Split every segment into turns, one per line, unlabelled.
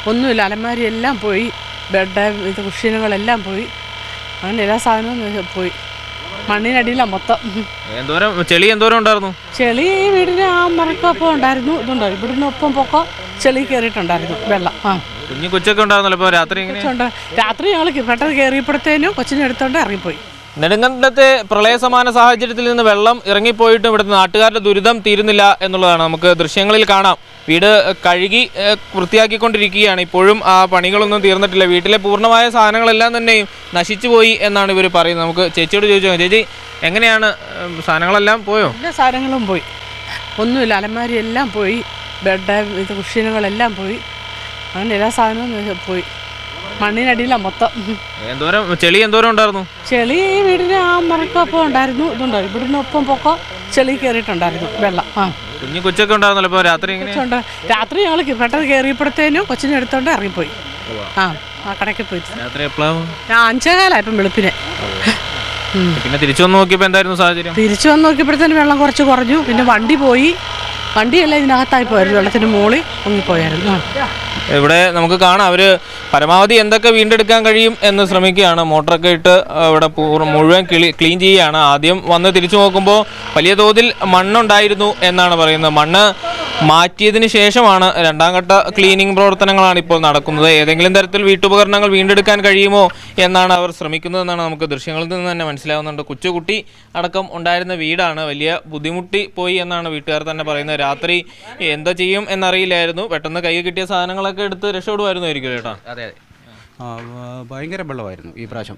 ഒന്നുമില്ല, അലമാരി എല്ലാം പോയി, ബെഡ് ഇത് കുഷ്യനുകളെല്ലാം പോയി, അങ്ങനെ എല്ലാ സാധനവും പോയി. മണ്ണിനടിയിലാണ് മൊത്തം.
ചെളി എന്തോരം ഉണ്ടായിരുന്നു?
ചെളി ഈ വീടിന് ആ മറക്കൊപ്പം ഉണ്ടായിരുന്നു, ഇതുണ്ടോ ഇവിടുന്ന് ഒപ്പം പൊക്കോ ചെളി കയറിയിട്ടുണ്ടായിരുന്നു, വെള്ളം.
കുഞ്ഞു കൊച്ചൊക്കെ ഉണ്ടായിരുന്നല്ലോ രാത്രി?
രാത്രി ഞങ്ങൾ പെട്ടെന്ന് കയറിയപ്പോഴത്തേനും കൊച്ചിനെ എടുത്തോണ്ട് ഇറങ്ങിപ്പോയി.
നെടുങ്കണ്ടത്തെ പ്രളയസമാന സാഹചര്യത്തിൽ നിന്ന് വെള്ളം ഇറങ്ങിപ്പോയിട്ടും ഇവിടുത്തെ നാട്ടുകാരുടെ ദുരിതം തീരുന്നില്ല എന്നുള്ളതാണ് നമുക്ക് ദൃശ്യങ്ങളിൽ കാണാം. വീട് കഴുകി വൃത്തിയാക്കിക്കൊണ്ടിരിക്കുകയാണ്. ഇപ്പോഴും ആ പണികളൊന്നും തീർന്നിട്ടില്ല. വീട്ടിലെ പൂർണ്ണമായ സാധനങ്ങളെല്ലാം തന്നെയും നശിച്ചു പോയി എന്നാണ് ഇവർ പറയുന്നത്. നമുക്ക് ചേച്ചിയോട് ചോദിച്ചു, ചേച്ചി എങ്ങനെയാണ്, സാധനങ്ങളെല്ലാം പോയോ?
എല്ലാ സാധനങ്ങളും പോയി, ഒന്നുമില്ല, അലമാരി എല്ലാം പോയി, ബെഡ് ഇത് കുഷ്യനുകളെല്ലാം പോയി, അങ്ങനെ എല്ലാ സാധനവും പോയി. മണ്ണിനടിയിലാണ് മൊത്തം.
ചെളി എന്തോരം ഉണ്ടായിരുന്നു?
ചെളി ഈ വീടിന് ആ മറക്കൊപ്പം ഉണ്ടായിരുന്നു, ഇതുണ്ടോ ഇവിടുന്ന് ഒപ്പം പൊക്കോ ചെളി കയറിയിട്ടുണ്ടായിരുന്നു, വെള്ളം.
കുഞ്ഞു കൊച്ചൊക്കെ ഉണ്ടായിരുന്നല്ലോ രാത്രി?
രാത്രി ഞങ്ങൾ പെട്ടെന്ന് കയറിയപ്പോഴത്തേനും കൊച്ചിനെ എടുത്തോണ്ട് ഇറങ്ങിപ്പോയി. ആ കടയ്ക്ക് പോയി.
രാത്രി എപ്പോഴാണ്?
5:15 വെളുപ്പിനെ.
പിന്നെ തിരിച്ചു വന്ന് നോക്കിയപ്പോൾ എന്തായിരുന്നു സാഹചര്യം?
തിരിച്ചു വന്ന് നോക്കിയപ്പോഴത്തേനും വെള്ളം കുറച്ച് കുറഞ്ഞു. പിന്നെ വണ്ടി പോയി, വണ്ടിയെല്ലാം ഇതിനകത്തായി പോയായിരുന്നു, വെള്ളത്തിന് മുകളിൽ പൊങ്ങിപ്പോയായിരുന്നു.
ഇവിടെ നമുക്ക് കാണാം അവർ പരമാവധി എന്തൊക്കെ വീണ്ടെടുക്കാൻ കഴിയും എന്ന് ശ്രമിക്കുകയാണ്. മോട്ടറൊക്കെ ഇട്ട് ഇവിടെ മുഴുവൻ ക്ലീൻ ചെയ്യുകയാണ്. ആദ്യം വന്ന് തിരിച്ചു നോക്കുമ്പോൾ വലിയ തോതിൽ മണ്ണുണ്ടായിരുന്നു എന്നാണ് പറയുന്നത്. മണ്ണ് മാറ്റിയതിന് ശേഷമാണ് രണ്ടാം ഘട്ട ക്ലീനിങ് പ്രവർത്തനങ്ങളാണ് ഇപ്പോൾ നടക്കുന്നത്. ഏതെങ്കിലും തരത്തിൽ വീട്ടുപകരണങ്ങൾ വീണ്ടെടുക്കാൻ കഴിയുമോ എന്നാണ് അവർ ശ്രമിക്കുന്നതെന്നാണ് നമുക്ക് ദൃശ്യങ്ങളിൽ നിന്ന് തന്നെ മനസ്സിലാവുന്നുണ്ട്. കൊച്ചുകുട്ടി അടക്കം ഉണ്ടായിരുന്ന വീടാണ്. വലിയ ബുദ്ധിമുട്ടി പോയി എന്നാണ് വീട്ടുകാർ തന്നെ പറയുന്നത്. രാത്രി എന്താ ചെയ്യും എന്നറിയില്ലായിരുന്നു. പെട്ടെന്ന് കൈ കിട്ടിയ സാധനങ്ങളൊക്കെ എടുത്ത് രക്ഷപ്പെടുമായിരുന്നായിരിക്കും ചേട്ടാ?
അതെ, ഭയങ്കര വെള്ളമായിരുന്നു ഈ പ്രാവശ്യം.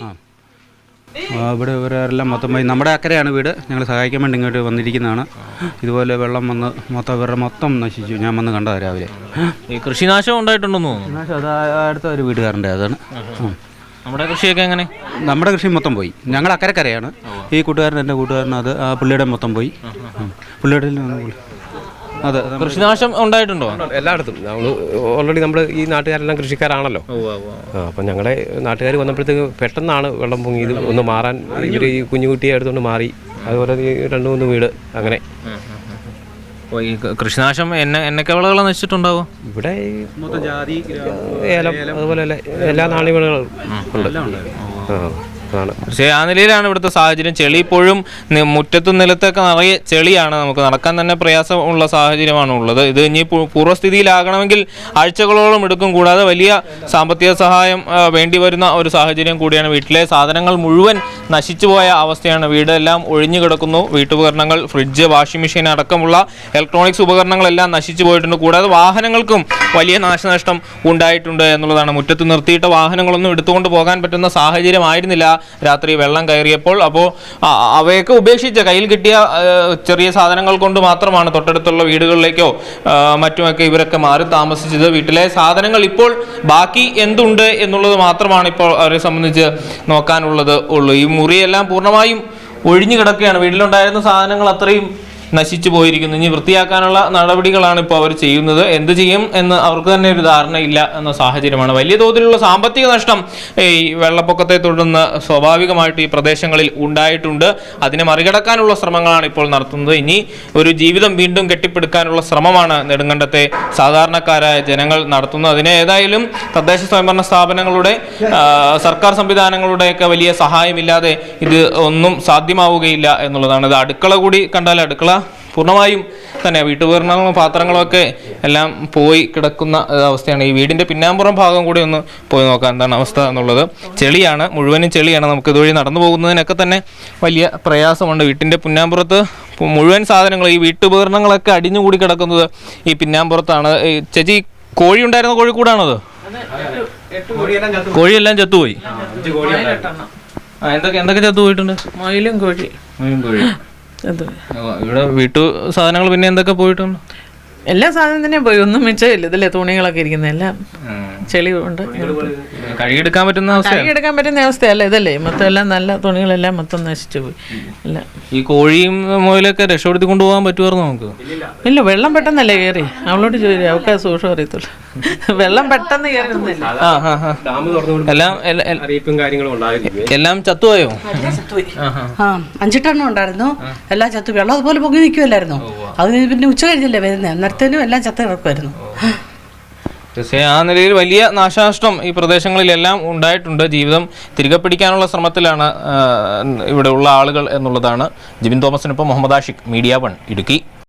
ഇവിടെ ഇവരെല്ലാം മൊത്തം നമ്മുടെ അക്കരെയാണ് വീട്. ഞങ്ങൾ സഹായിക്കാൻ വേണ്ടി ഇങ്ങോട്ട് വന്നിരിക്കുന്നതാണ്. ഇതുപോലെ വെള്ളം വന്ന് മൊത്തം ഇവരുടെ മൊത്തം നശിച്ചു. ഞാൻ വന്ന് കണ്ടതാണ് രാവിലെ.
ഈ കൃഷിനാശം ഉണ്ടായിട്ടുണ്ടെന്നോ?
കൃഷിനാശം അത് അടുത്ത ഒരു വീട്ടുകാരൻ്റെ അതാണ്.
നമ്മുടെ കൃഷിയൊക്കെ എങ്ങനെ?
നമ്മുടെ കൃഷി മൊത്തം പോയി. ഞങ്ങൾ അക്കരക്കരയാണ്. ഈ കൂട്ടുകാരൻ, എൻ്റെ കൂട്ടുകാരൻ, അത് ആ പുള്ളിയുടെ മൊത്തം പോയി. പുള്ളിയുടെ അതെ.
കൃഷിനാശം ഉണ്ടായിട്ടുണ്ടോ?
എല്ലായിടത്തും നമ്മൾ ഓൾറെഡി നമ്മൾ ഈ നാട്ടുകാരെല്ലാം കൃഷിക്കാരാണല്ലോ. അപ്പം ഞങ്ങളുടെ നാട്ടുകാർ വന്നപ്പോഴത്തേക്ക് പെട്ടെന്നാണ് വെള്ളം പൊങ്ങിയത്. ഒന്ന് മാറാൻ ഇവർ ഈ കുഞ്ഞുകുട്ടിയെ എടുത്തുകൊണ്ട് മാറി. അതുപോലെ ഈ 2-3 വീട് അങ്ങനെ.
കൃഷിനാശം എന്നൊക്കെ വിളകൾ നശിച്ചിട്ടുണ്ടാവും?
ഇവിടെ മൊത്തം ജാതി, ഏലം, അതുപോലെ എല്ലാ നാണ്യവിളകളും ഉണ്ട്.
പക്ഷേ ആ നിലയിലാണ് ഇവിടുത്തെ സാഹചര്യം. ചെളി ഇപ്പോഴും മുറ്റത്തും നിലത്തൊക്കെ നിറയെ ചെളിയാണ്. നമുക്ക് നടക്കാൻ തന്നെ പ്രയാസമുള്ള സാഹചര്യമാണ് ഉള്ളത്. ഇത് ഇനി പൂർവ്വസ്ഥിതിയിലാകണമെങ്കിൽ ആഴ്ചകളോളം എടുക്കും. കൂടാതെ വലിയ സാമ്പത്തിക സഹായം വേണ്ടി വരുന്ന ഒരു സാഹചര്യം കൂടിയാണ്. വീട്ടിലെ സാധനങ്ങൾ മുഴുവൻ നശിച്ചുപോയ അവസ്ഥയാണ്. വീടെല്ലാം ഒഴിഞ്ഞു കിടക്കുന്നു. വീട്ടുപകരണങ്ങൾ, ഫ്രിഡ്ജ്, വാഷിംഗ് മെഷീൻ അടക്കമുള്ള ഇലക്ട്രോണിക്സ് ഉപകരണങ്ങളെല്ലാം നശിച്ചു പോയിട്ടുണ്ട്. കൂടാതെ വാഹനങ്ങൾക്കും വലിയ നാശനഷ്ടം ഉണ്ടായിട്ടുണ്ട് എന്നുള്ളതാണ്. മുറ്റത്ത് നിർത്തിയിട്ട വാഹനങ്ങളൊന്നും എടുത്തുകൊണ്ട് പോകാൻ പറ്റുന്ന സാഹചര്യമായിരുന്നില്ല രാത്രി വെള്ളം കയറിയപ്പോൾ. അപ്പോൾ അവയൊക്കെ ഉപേക്ഷിച്ച് കയ്യിൽ കിട്ടിയ ചെറിയ സാധനങ്ങൾ കൊണ്ട് മാത്രമാണ് തൊട്ടടുത്തുള്ള വീടുകളിലേക്കോ മറ്റുമൊക്കെ ഇവരൊക്കെ മാറി താമസിച്ചത്. വീട്ടിലെ സാധനങ്ങൾ ഇപ്പോൾ ബാക്കി എന്തുണ്ട് എന്നുള്ളത് മാത്രമാണ് ഇപ്പോൾ അവരെ സംബന്ധിച്ച് നോക്കാനുള്ളത് ഉള്ളൂ. ഈ മുറിയെല്ലാം പൂർണ്ണമായും ഒഴിഞ്ഞു കിടക്കുകയാണ്. വീട്ടിലുണ്ടായിരുന്ന സാധനങ്ങൾ അത്രയും നശിച്ചു പോയിരിക്കുന്നു. ഇനി വൃത്തിയാക്കാനുള്ള നടപടികളാണ് ഇപ്പോൾ അവർ ചെയ്യുന്നത്. എന്ത് ചെയ്യും എന്ന് അവർക്ക് തന്നെ ഒരു ധാരണയില്ല എന്ന സാഹചര്യമാണ്. വലിയ തോതിലുള്ള സാമ്പത്തിക നഷ്ടം ഈ വെള്ളപ്പൊക്കത്തെ തുടർന്ന് സ്വാഭാവികമായിട്ട് ഈ പ്രദേശങ്ങളിൽ ഉണ്ടായിട്ടുണ്ട്. അതിനെ മറികടക്കാനുള്ള ശ്രമങ്ങളാണ് ഇപ്പോൾ നടത്തുന്നത്. ഇനി ഒരു ജീവിതം വീണ്ടും കെട്ടിപ്പടുക്കാനുള്ള ശ്രമമാണ് നെടുങ്കണ്ടത്തെ സാധാരണക്കാരായ ജനങ്ങൾ നടത്തുന്നത്. അതിന് ഏതായാലും തദ്ദേശ സ്വയംഭരണ സ്ഥാപനങ്ങളുടെ, സർക്കാർ സംവിധാനങ്ങളുടെയൊക്കെ വലിയ സഹായമില്ലാതെ ഇത് ഒന്നും സാധ്യമാവുകയില്ല എന്നുള്ളതാണ്. ഇത് അടുക്കള കൂടി കണ്ടാൽ അടുക്കള പൂർണ്ണമായും തന്നെ വീട്ടുപകരണങ്ങളും പാത്രങ്ങളും ഒക്കെ എല്ലാം പോയി കിടക്കുന്ന അവസ്ഥയാണ്. ഈ വീടിൻ്റെ പിന്നാമ്പുറം ഭാഗം കൂടി ഒന്ന് പോയി നോക്കാം എന്താണ് അവസ്ഥ എന്നുള്ളത്. ചെളിയാണ്, മുഴുവനും ചെളിയാണ്. നമുക്ക് ഇതുവഴി നടന്നു പോകുന്നതിനൊക്കെ തന്നെ വലിയ പ്രയാസമുണ്ട്. വീട്ടിൻ്റെ പിന്നാമ്പുറത്ത് മുഴുവൻ സാധനങ്ങൾ, ഈ വീട്ടുപകരണങ്ങളൊക്കെ അടിഞ്ഞുകൂടി കിടക്കുന്നത് ഈ പിന്നാമ്പുറത്താണ്. ചേച്ചി, കോഴി ഉണ്ടായിരുന്ന കോഴിക്കൂടാണത്? കോഴിയെല്ലാം ചത്തുപോയി. എന്തൊക്കെ ചത്തുപോയിട്ടുണ്ട്?
മയിലും കോഴി.
ഇവിടെ വീട്ടു സാധനങ്ങൾ പിന്നെ എന്തൊക്കെ പോയിട്ടുണ്ട്?
എല്ലാ സാധനം തന്നെ പോയി, ഒന്നും മിച്ചമില്ല. ഇതില്ലേ തുണികളൊക്കെ ഇരിക്കുന്നത് എല്ലാം ചെളി കൊണ്ട്
കഴുകിയെടുക്കാൻ
പറ്റുന്ന അവസ്ഥയല്ല. ഇതല്ലേ മൊത്തം എല്ലാം നല്ല തുണികളെല്ലാം മൊത്തം നശിച്ചു പോയി. അല്ല,
ഈ കോഴിയും മുയലൊക്കെ രക്ഷപ്പെടുത്തി കൊണ്ടുപോകാൻ പറ്റുമായിരുന്നു നമുക്ക്?
ഇല്ല, വെള്ളം പെട്ടെന്നല്ലേ കയറി. അവളോട് ചോദിച്ചു, അവൾക്ക് സൂക്ഷം അറിയത്തുള്ളൂ. വെള്ളം പെട്ടെന്ന് കയറുന്നില്ല.
എല്ലാം ചത്തുപോയോ?
5 ടണ്ണം ഉണ്ടായിരുന്നു, എല്ലാം ചത്തു. വെള്ളം അതുപോലെ പൊങ്ങി നിൽക്കുമല്ലായിരുന്നു. അതിന് പിന്നെ ഉച്ച കഴിഞ്ഞല്ലേ വരുന്നത്, അന്നേരത്തേനും എല്ലാം ചത്ത് കിടക്കുമായിരുന്നു.
തീർച്ചയായും ആ നിലയിൽ വലിയ നാശനഷ്ടം ഈ പ്രദേശങ്ങളിലെല്ലാം ഉണ്ടായിട്ടുണ്ട്. ജീവിതം തിരികെ പിടിക്കാനുള്ള ശ്രമത്തിലാണ് ഇവിടെ ഉള്ള ആളുകൾ എന്നുള്ളതാണ്. ജിബിൻ തോമസിനൊപ്പം മുഹമ്മദ് ആഷിഖ്, മീഡിയ 1 ഇടുക്കി.